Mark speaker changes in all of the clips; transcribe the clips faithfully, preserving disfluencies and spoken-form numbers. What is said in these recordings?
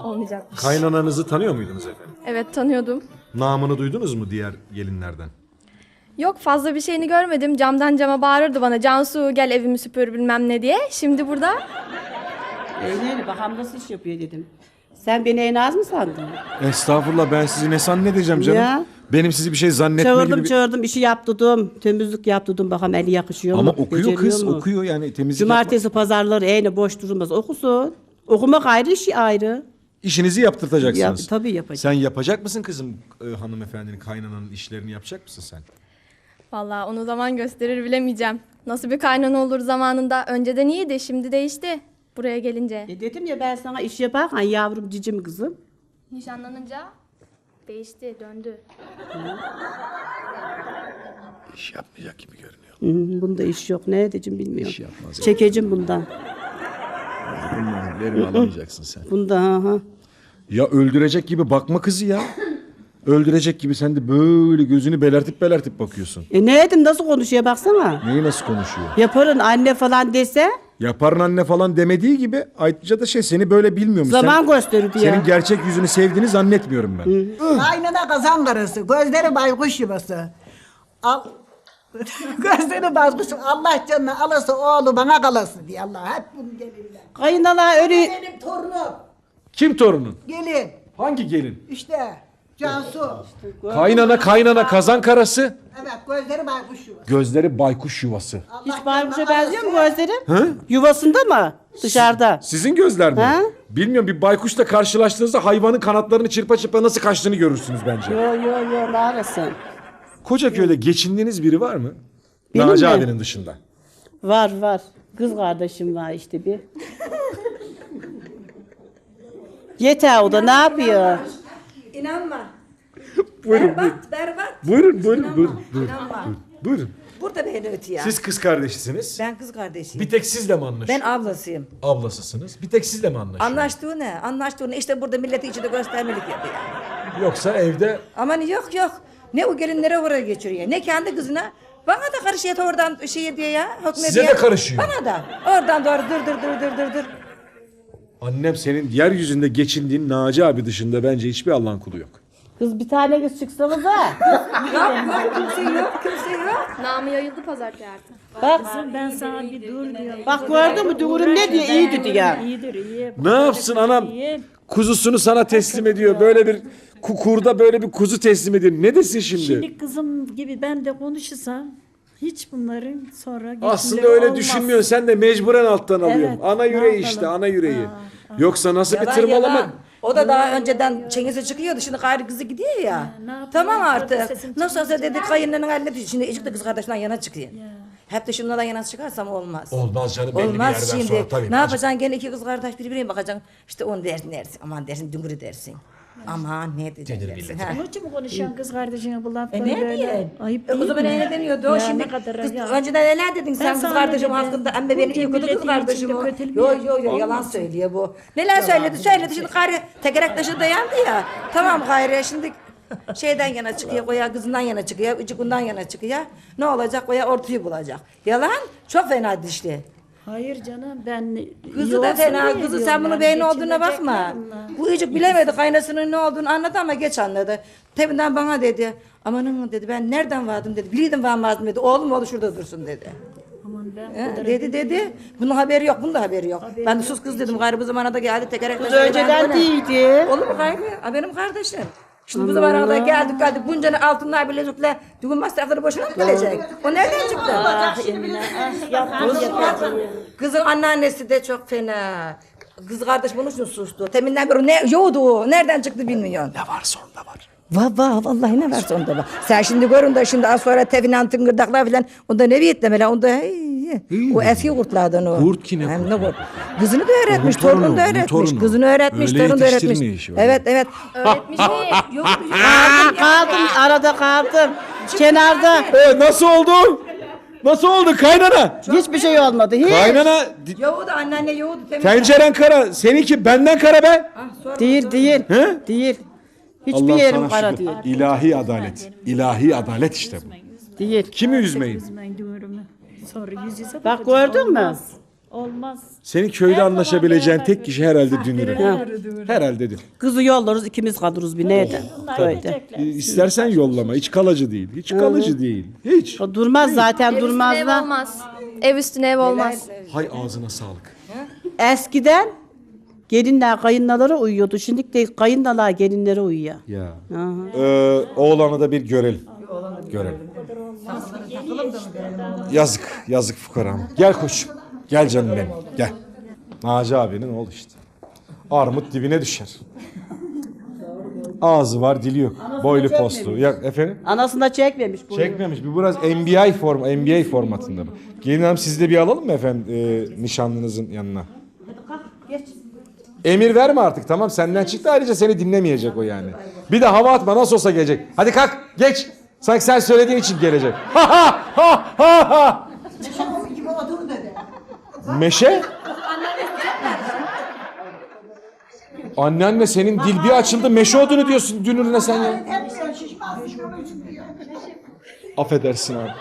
Speaker 1: olmayacak.
Speaker 2: Kaynananızı tanıyor muydunuz efendim?
Speaker 1: Evet, tanıyordum.
Speaker 2: Namını duydunuz mu diğer gelinlerden?
Speaker 1: Yok, fazla bir şeyini görmedim. Camdan cama bağırırdı bana. Cansu gel evimi süpür bilmem ne diye. Şimdi burada
Speaker 3: Eğlenelim bakalım nasıl iş yapıyor dedim. Sen beni en az mı sandın?
Speaker 2: Estağfurullah, ben sizi ne zannedeceğim canım?
Speaker 3: Ya.
Speaker 2: Benim sizi bir şey zannetme
Speaker 3: Çağırdım
Speaker 2: gibi bir...
Speaker 3: çağırdım işi yaptırdım. Temizlik yaptırdım bakalım eli yakışıyor
Speaker 2: Ama
Speaker 3: mu?
Speaker 2: okuyor
Speaker 3: beceriyor
Speaker 2: kız,
Speaker 3: mu?
Speaker 2: okuyor yani temizlik
Speaker 3: Cumartesi pazarları eğne boş durmaz okusun. Okumak ayrı işi ayrı.
Speaker 2: yapma. İşinizi yaptırtacaksınız.
Speaker 3: Yap- tabii yapacağım.
Speaker 2: Sen yapacak mısın kızım, e, hanımefendinin, kaynananın işlerini yapacak mısın sen?
Speaker 1: vallahi onu zaman gösterir, bilemeyeceğim. Nasıl bir kaynana olur zamanında. Önceden iyiydi, şimdi değişti. Buraya gelince.
Speaker 3: E dedim ya ben sana iş yaparken yavrum cicim kızım.
Speaker 1: Nişanlanınca değişti, döndü.
Speaker 2: İş yapmayacak gibi görünüyor.
Speaker 3: Hı, bunda iş yok ne edeceğim bilmiyorum.
Speaker 2: İş yapmaz.
Speaker 3: Çekeceğim bundan.
Speaker 2: Bunları alamayacaksın sen.
Speaker 3: Bunda ha ha.
Speaker 2: Ya öldürecek gibi bakma kızı ya. Öldürecek gibi sen de böyle gözünü belertip belertip bakıyorsun.
Speaker 3: E ne edeyim nasıl konuşuyor baksana.
Speaker 2: Neyi nasıl konuşuyor?
Speaker 3: Yaparın anne falan dese
Speaker 2: Yaparın anne falan demediği gibi ayrıca da şey seni böyle bilmiyormuş.
Speaker 3: zaman
Speaker 2: Sen-
Speaker 3: gösterirdi ya.
Speaker 2: Senin gerçek yüzünü sevdiğini zannetmiyorum ben.
Speaker 4: Kaynana kazan karısı, gözleri baykuş yuvası. Al, gözleri baykuş, Allah canını alası oğlu bana kalası diye Allah hep bunu gelirler.
Speaker 3: Kayınala öyle
Speaker 4: Benim torunum,
Speaker 2: Kim torunun?
Speaker 4: gelin,
Speaker 2: Hangi gelin?
Speaker 4: işte Cansu.
Speaker 2: Kaynana kaynana kazan karası.
Speaker 4: Evet, gözleri baykuş yuvası.
Speaker 2: Gözleri baykuş yuvası.
Speaker 4: Allah
Speaker 3: hiç
Speaker 4: canına
Speaker 3: baykuşa benziyor mu
Speaker 4: kalası.
Speaker 3: gözlerim?
Speaker 2: Hı?
Speaker 3: Yuvasında mı? Dışarıda.
Speaker 2: Sizin gözler mi?
Speaker 3: Ha?
Speaker 2: Bilmiyorum, bir baykuşla karşılaştığınızda hayvanın kanatlarını çırpa çırpa nasıl kaçtığını görürsünüz bence.
Speaker 3: Yo yo yo ne arasın?
Speaker 2: Kocaköy'de geçindiğiniz biri var mı?
Speaker 3: Benim
Speaker 2: Naci
Speaker 3: mi?
Speaker 2: abinin dışında.
Speaker 3: Var var. Kız kardeşim var işte bir. Yeter o da ne yapıyor?
Speaker 5: İnanma.
Speaker 2: Buyurun,
Speaker 5: Berbat, berbat.
Speaker 2: Buyurun, buyurun, buyurun, buyurun,
Speaker 5: İnanma.
Speaker 2: buyurun, buyurun.
Speaker 5: Burada beni ötü ya.
Speaker 2: Siz kız kardeşisiniz.
Speaker 5: Ben kız kardeşiyim.
Speaker 2: Bir tek sizle mi anlaşıyor?
Speaker 5: Ben ablasıyım.
Speaker 2: Ablasısınız. Bir tek sizle mi anlaşıyor?
Speaker 5: Anlaştığı ne? Anlaştığı ne? İşte burada milleti içinde göstermelik yapıyor.
Speaker 2: Yoksa evde
Speaker 5: Aman yok yok. Ne o gelinlere oraya geçiriyor. Ne kendi kızına. Bana da karışıyor oradan şey diye ya. Hükmediyor.
Speaker 2: Size de karışıyor.
Speaker 5: Bana da. Oradan doğru dur dur dur dur dur dur.
Speaker 2: annem senin yeryüzünde geçindiğin Naci abi dışında bence hiçbir Allah'ın kulu yok.
Speaker 3: Kız bir tane kız çıksanız ha.
Speaker 5: Yok kimse yok kimse yok.
Speaker 1: Namı yayıldı pazartesi artık.
Speaker 3: Bak
Speaker 6: Ben sana bir dur diyorum.
Speaker 3: bak gördün mü Durum ne diyor iyi dedi ya.
Speaker 6: İyidir iyi.
Speaker 2: Ne yapsın anam? Kuzusunu sana teslim ediyor. Böyle bir kukurda böyle bir kuzu teslim ediyor. Ne desin şimdi?
Speaker 6: Şimdi kızım gibi ben de konuşursam hiç bunların sonra
Speaker 2: Aslında
Speaker 6: geçimleri
Speaker 2: öyle
Speaker 6: olmaz.
Speaker 2: düşünmüyorsun. Sen de mecburen alttan alıyorsun.
Speaker 6: Evet,
Speaker 2: Ana
Speaker 6: ne
Speaker 2: yüreği
Speaker 6: yapalım?
Speaker 2: işte, ana yüreği. Yoksa nasıl bir
Speaker 5: Yalan
Speaker 2: tırmalama?
Speaker 5: yalan. O da daha önceden çengesi çıkıyordu. Şimdi gayrı kızı gidiyor ya.
Speaker 6: ne yapayım?
Speaker 5: Tamam
Speaker 6: Orada
Speaker 5: artık.
Speaker 6: sesim
Speaker 5: Nasıl olsa dedi kayınlarının haline düşüyor. Şimdi ecik de kız kardeşinden yana çıkıyor. Hep de şunlardan yana çıkarsam olmaz.
Speaker 2: Olmaz canım, belli bir
Speaker 5: Olmaz
Speaker 2: yerden
Speaker 5: şimdi.
Speaker 2: sonra tabii.
Speaker 5: Ne yapacaksın gene iki kız kardeş birbirine bakacaksın. İşte onu dersin dersin. Aman dersin düngürü dersin. Aman ne diyeceksin dersin. Ha.
Speaker 6: Onun için mi konuşuyorsun kız kardeşine bu
Speaker 5: E
Speaker 6: lafları
Speaker 5: ne
Speaker 6: böyle?
Speaker 5: diye?
Speaker 6: Ayıp
Speaker 5: E, o
Speaker 6: değil
Speaker 5: zaman
Speaker 6: mi?
Speaker 5: öyle deniyordu. O
Speaker 6: Ya
Speaker 5: şimdi
Speaker 6: ne kadar
Speaker 5: kız,
Speaker 6: ya.
Speaker 5: önceden neler dedin sen
Speaker 6: Ben
Speaker 5: kız
Speaker 6: sana
Speaker 5: kardeşim
Speaker 6: dedim.
Speaker 5: hakkında. Ama beni
Speaker 6: Bunca
Speaker 5: yıkıldı kız
Speaker 6: milletin
Speaker 5: kardeşim
Speaker 6: içinde
Speaker 5: o.
Speaker 6: kötülük
Speaker 5: Yo yo yo yalan
Speaker 6: olmasın.
Speaker 5: söylüyor bu. Neler söyledi söyledi. Şimdi gayrı tekerek taşı dayandı ya. Tamam gayrı şimdi şeyden yana çıkıyor koya kızından yana çıkıyor. Ucukundan yana çıkıyor. Ne olacak koya ortayı bulacak. Yalan çok fena dişli.
Speaker 6: Hayır canım ben
Speaker 5: Kızı
Speaker 6: iyi
Speaker 5: da
Speaker 6: olsun
Speaker 5: fena.
Speaker 6: diye
Speaker 5: Kızı
Speaker 6: diyorum
Speaker 5: sen bunu
Speaker 6: yani,
Speaker 5: beğeni olduğuna bakma.
Speaker 6: geçinecekler bunlar.
Speaker 5: Bu icik bilemedi kaynasının ne olduğunu anladı ama geç anladı. Tebinden bana dedi. Amanın dedi ben nereden vardım dedi. Biliyordum varmazdım dedi. Oğlum oğlu şurada dursun dedi.
Speaker 6: Aman ben
Speaker 5: He, dedi dedi. Bunun haberi yok. Bunun da haberi yok. Ben de sus kız dedim. Gayrı bu zamana da geldi tekerek.
Speaker 3: Kız önceden değildi.
Speaker 5: Olur mu gayrı? Ha, benim kardeşim. Şimdi bu zamana da geldik geldik. Bunca ne altınlar bilezikler. Düğün masrafları boşuna mı gelecek? O nereden çıktı?
Speaker 3: Ah Emine ah yapma yapma.
Speaker 5: Kızın anneannesi de çok fena. Kız kardeş bunun için sustu. Teminden beri ne yoğdu, nereden çıktı bilmiyorsun.
Speaker 2: Ne varsa onda var.
Speaker 5: Va va vallahi ne varsa onda var. Sen şimdi görün de şimdi az sonra tefinan tıngırdaklar filan onda ne biyetlemeler onda hey, o eski kurtlardan o.
Speaker 2: Kurt ki ne
Speaker 5: Hem
Speaker 2: kurt?
Speaker 5: ne kurt. Kızını da öğretmiş,
Speaker 2: Onun torunu,
Speaker 5: torununu da
Speaker 2: onun
Speaker 5: öğretmiş,
Speaker 2: torunu.
Speaker 5: kızını öğretmiş,
Speaker 2: Öyle
Speaker 5: torunu da öğretmiş.
Speaker 2: yetiştirmiyor işi, öyle.
Speaker 5: Evet evet.
Speaker 1: Öğretmiş değil.
Speaker 5: Yok,
Speaker 3: Kaldım kaldım arada kaldım. Kenarda
Speaker 2: Evet, nasıl oldu? Nasıl oldu kaynana?
Speaker 3: hiçbir şey olmadı. Hiç.
Speaker 2: Kaynana
Speaker 5: yoğdu anneanne yoğdu. teminden.
Speaker 2: tenceren kara, seninki benden kara be.
Speaker 5: Ah, sonra-
Speaker 3: Değil değil.
Speaker 2: He?
Speaker 3: Değil. Hiçbir
Speaker 2: Allah
Speaker 3: yerim
Speaker 2: sana
Speaker 3: kara
Speaker 2: şükür.
Speaker 3: değil.
Speaker 2: İlahi adalet. İlahi adalet işte bu.
Speaker 3: Değil.
Speaker 2: Kimi üzmeyin?
Speaker 6: üzmeyin diyorum. Sonra yüz yüze
Speaker 3: Bak
Speaker 6: bakacağız,
Speaker 3: gördün mü?
Speaker 6: olmaz. olmaz.
Speaker 2: Senin köyde
Speaker 6: Her zaman
Speaker 2: anlaşabileceğin
Speaker 6: beraber
Speaker 2: tek kişi herhalde Dünür'ü.
Speaker 3: Ha.
Speaker 2: Herhalde Dünür.
Speaker 3: Kızı yollarız ikimiz kalırız bir neydi?
Speaker 6: Bunlar
Speaker 3: Köyde.
Speaker 6: gidecekler.
Speaker 2: E, İstersen yollama. Hiç kalıcı değil. Hiç kalıcı değil. Hiç.
Speaker 3: O durmaz zaten
Speaker 1: Ev
Speaker 3: durmaz
Speaker 1: üstüne ev
Speaker 3: da.
Speaker 1: olmaz. Ev üstüne ev olmaz.
Speaker 2: Hay ağzına sağlık.
Speaker 3: Eskiden gelinler kayınlalara uyuyordu. Şimdi de kayınlalar gelinlere uyuyor.
Speaker 2: Ya. Ee, oğlanı da bir görelim. Görelim. Yazık. Yazık fukaram. Gel koçum. Gel canım benim. Gel. Naci abinin oğlu işte. Armut dibine düşer. Ağzı var, dili yok. Boylu postlu. Ya efendim?
Speaker 3: Anasında çekmemiş bunu.
Speaker 2: Çekmemiş. Bu biraz N B A form N B A formatında mı? Gelin hanım sizi de bir alalım mı efendim e, nişanlınızın yanına? Emir verme artık tamam senden çıktı ayrıca seni dinlemeyecek o yani. Bir de hava atma nasıl olsa gelecek. Hadi kalk geç. Sanki sen söylediğin için gelecek. Ha ha ha ha ha.
Speaker 4: gibi otur dedi.
Speaker 2: Meşe? Anneanne senin dil bir açıldı meşe odunu diyorsun dünürüne sen ya.
Speaker 4: Hep diyor şişman şişman diyor.
Speaker 2: Affedersin abi.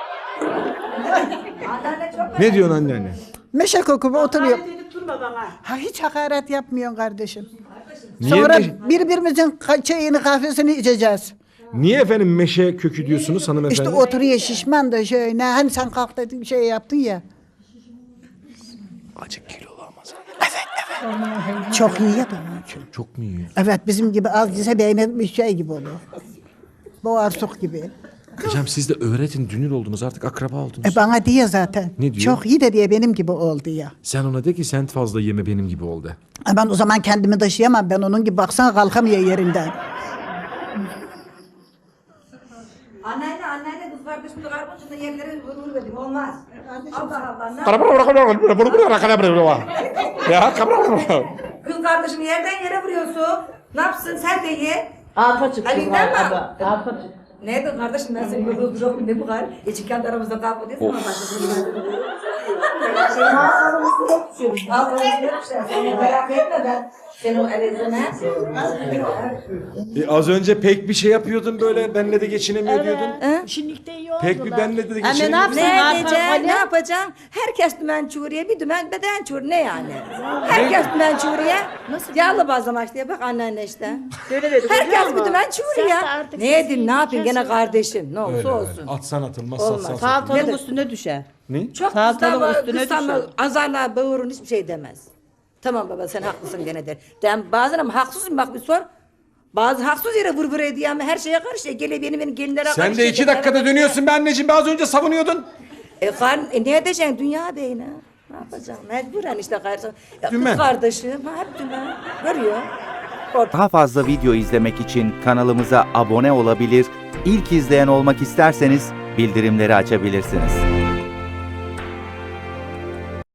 Speaker 2: Ne diyorsun anneanne?
Speaker 4: Meşe kokumu oturuyor.
Speaker 3: Dedip durma bana.
Speaker 4: Ha hiç hakaret yapmıyorsun kardeşim.
Speaker 2: Niye,
Speaker 4: Sonra
Speaker 2: meşe-
Speaker 4: birbirimizin ka- çayını kahvesini içeceğiz.
Speaker 2: niye efendim meşe kökü diyorsunuz hanımefendi?
Speaker 4: İşte oturuyor şişman da şöyle. Hani sen kalk dedin şey yaptın ya.
Speaker 2: Acık kilolu ama sen.
Speaker 4: Çok iyi yapamam.
Speaker 2: Çok mu iyi?
Speaker 4: Evet bizim gibi az yese beğenir bir şey gibi olur. Boğarsuk gibi.
Speaker 2: Hocam siz de öğretin dünür oldunuz artık akraba oldunuz.
Speaker 4: E bana diyor zaten.
Speaker 2: Ne diyor?
Speaker 4: Çok iyi de diye benim gibi oldu ya.
Speaker 2: Sen ona de ki sen fazla yeme benim gibi ol de.
Speaker 4: E ben o zaman kendimi taşıyamam. Ben onun gibi baksana kalkamıyor yerinden.
Speaker 5: Anneanne anneanne kız kardeşim de karbonçunda yerlere vurur dedim olmaz. Allah Allah ne
Speaker 2: Ya
Speaker 5: kız kardeşini yerden yere vuruyorsun. Ne yapsın sen de ye.
Speaker 3: Arpa çıktı.
Speaker 5: Ali'nden mi?
Speaker 3: Arpa, arpa çıktı.
Speaker 5: Nerede kardeşim ben seni böyle duruyorum ne bu kadar? Hiç kendi aramızda kavga değil mi? Ağzını düşürmüşler. Seni merak etme ben. Seni o elizine.
Speaker 2: E, az önce pek bir şey yapıyordun böyle benle de geçinemiyor diyordun.
Speaker 6: Şimdilik de iyi oldular.
Speaker 2: Pek bir benle de
Speaker 3: ne
Speaker 2: geçinemiyor.
Speaker 3: yapsın?
Speaker 5: Ne
Speaker 3: Arpa,
Speaker 5: edeceksin?
Speaker 3: Ali.
Speaker 5: Ne yapacaksın? Herkes dümen çuğuriye, bir dümen beden çuğur. Ne yani? Herkes dümen çuğuriye. Yağlı bazlama işte. Bak anneanne işte. Herkes bir dümen çuğuriye.
Speaker 6: Sen de artık
Speaker 5: Ne edeyim, ne
Speaker 6: sesini
Speaker 5: yapayım? Gene
Speaker 6: kes.
Speaker 5: kardeşim. Ne olursa
Speaker 2: Öyle,
Speaker 5: olsun.
Speaker 2: öyle. Atsan atılmaz
Speaker 5: Olmaz.
Speaker 2: satsan satılmaz.
Speaker 3: Salatalık
Speaker 5: Ne de-
Speaker 3: üstüne düşer.
Speaker 2: Ne?
Speaker 5: Çok
Speaker 3: Salatalık
Speaker 5: kızlar
Speaker 3: üstüne
Speaker 5: kızlarla
Speaker 3: düşer.
Speaker 5: azarlar, bağırın hiçbir şey demez. Tamam baba sen haklısın gene der. Ben bazen ama haksızım bak bir sor. Bazı haksız yere vur vur ediyor ama her şeye karışıyor. Gele benim benim gelinlere karışıyor.
Speaker 2: Sen de iki dakikada dönüyorsun be anneciğim be az önce savunuyordun.
Speaker 5: E, kar, e ne edeceksin dünya beyine? Ne yapacaksın? Mecburen işte kardeşim. Ya, kız
Speaker 2: Dümen.
Speaker 5: kardeşim ha, hep dümen. Görüyor.
Speaker 7: Daha fazla video izlemek için kanalımıza abone olabilir, ilk izleyen olmak isterseniz bildirimleri açabilirsiniz.